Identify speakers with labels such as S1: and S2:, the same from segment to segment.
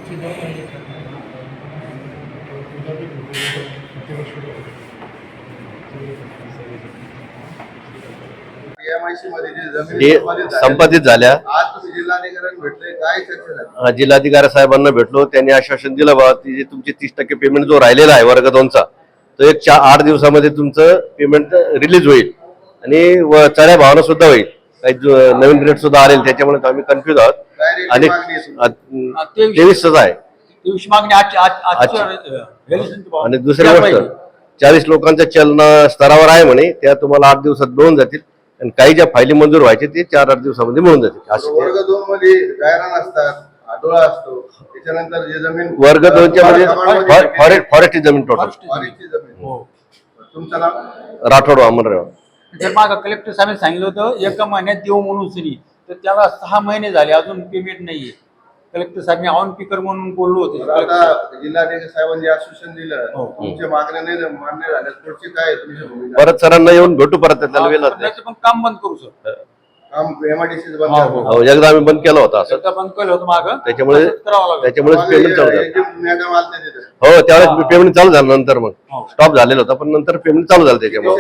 S1: संपादित झाल्या। जिल्हाधिकारी साहेबांना भेटलो, त्यांनी आश्वासन दिलं बा की तुमचे 30% पेमेंट जो राहिलेला आहे वर्ग 2चा तो एक 8 दिवसामध्ये तुमचं पेमेंट रिलीज होईल आणि चढ्या भावानं सुद्धा होईल। काही नवीन रेट सुद्धा आले, त्याच्यामुळे आम्ही कन्फ्युज आहोत। आणि 23 आहे आणि दुसरी गोष्ट 40 लोकांच्या चलन स्तरावर आहे म्हणे, त्या तुम्हाला 8 दिवसात मिळून जातील आणि काही ज्या फायली मंजूर व्हायचे ते 4-8 दिवसामध्ये मिळून जातील।
S2: वर्ग 2 मध्ये गायरान असतात, आठवडा असतो, त्याच्यानंतर जे जमीन
S1: वर्ग 2च्या मध्ये फॉरेस्ट जमीन टोटल
S2: तुमचं नाव
S1: राठोड अमरराव।
S3: जर मागं कलेक्टर साहेबांनी सांगितलं होतं 1 महिन्यात देऊ म्हणून सनी, तर त्याला 6 महिने झाले अजून पेमेंट नाहीये। कलेक्टर साहेबांनी ऑन स्पीकर म्हणून बोललो होते।
S2: आता जिल्हाधिकारी साहेबांनी आश्वासन दिलं, तुमच्या मागण्या नाही मान्य झाल्या, पुढची काय तुमची भूमिका?
S1: परत सरांना येऊन भेटू, परत त्याला वेळ
S3: पण काम बंद करू सर,
S2: काम एमआयडीसी बंद करू।
S1: एकदा आम्ही बंद केलं होतं असं,
S3: बंद केलं होतं मागं,
S1: त्याच्यामुळे पेमेंट चालू झालं।
S2: मॅडम आलते तिथे,
S1: हो त्यावेळेस पेमेंट चालू झालं, नंतर मग स्टॉप झालेलं होतं, पण नंतर पेमेंट चालू झालं। त्याच्यामुळे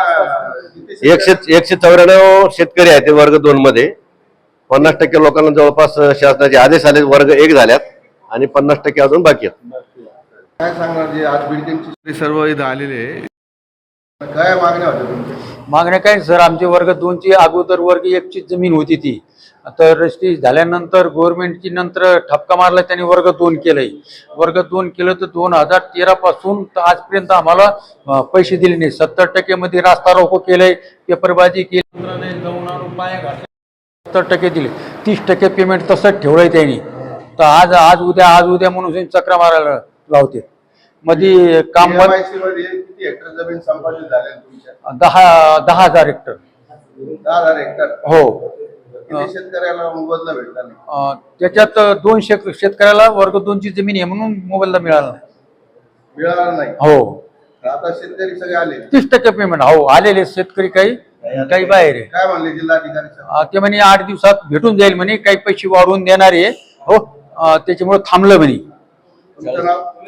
S1: 194 शेतकरी आहेत ते वर्ग 2 मध्ये। 50% लोकांना जवळपास शासनाचे आदेश आले, वर्ग 1 झाल्यात आणि 50% अजून बाकी आहेत।
S2: काय सांगणार जे आज बिल्डिंगचे सर्व इथं आलेले काय मागण्या होत्या तुमच्या?
S3: मागण्या काय सर, आमचे वर्ग 2ची अगोदर वर्ग 1ची जमीन होती ती, तर रजिस्ट्री झाल्यानंतर गव्हर्नमेंटची नंतर ठपका मारला, त्यांनी वर्ग 2 केलंय। वर्ग 2 केलं तर 2013 पासून तर आजपर्यंत आम्हाला पैसे दिले नाही। 70% मध्ये रास्ता रोको केलंय, पेपरबाजी केली, जाऊन आणून पाया घातले, 70% दिले, 30% पेमेंट तसंच ठेवलंय त्यांनी। तर आज उद्या म्हणून चक्रा मारायला लावते। मध्ये काम
S2: किती हेक्टर जमीन संपादित झाल्या तुमच्या?
S3: 10,000 हेक्टर।
S2: 10,000 हेक्टर
S3: हो।
S2: किती शेतकऱ्याला मोबदला भेटला नाही?
S3: त्याच्यात 2 शेतकऱ्याला वर्ग 2ची जमीन आहे म्हणून मोबदला मिळाला
S2: नाही।
S3: हो,
S2: आता शेतकरी सगळे आले,
S3: 30% पेमेंट। हो, आलेले शेतकरी काही बाहेर आहे।
S2: काय म्हणले जिल्हाधिकारी?
S3: ते म्हणे 8 दिवसात भेटून जाईल म्हणे, काही पैसे वाढवून देणार आहे। हो, त्याच्यामुळे थांबलं म्हणे।
S2: तुमचं नाव?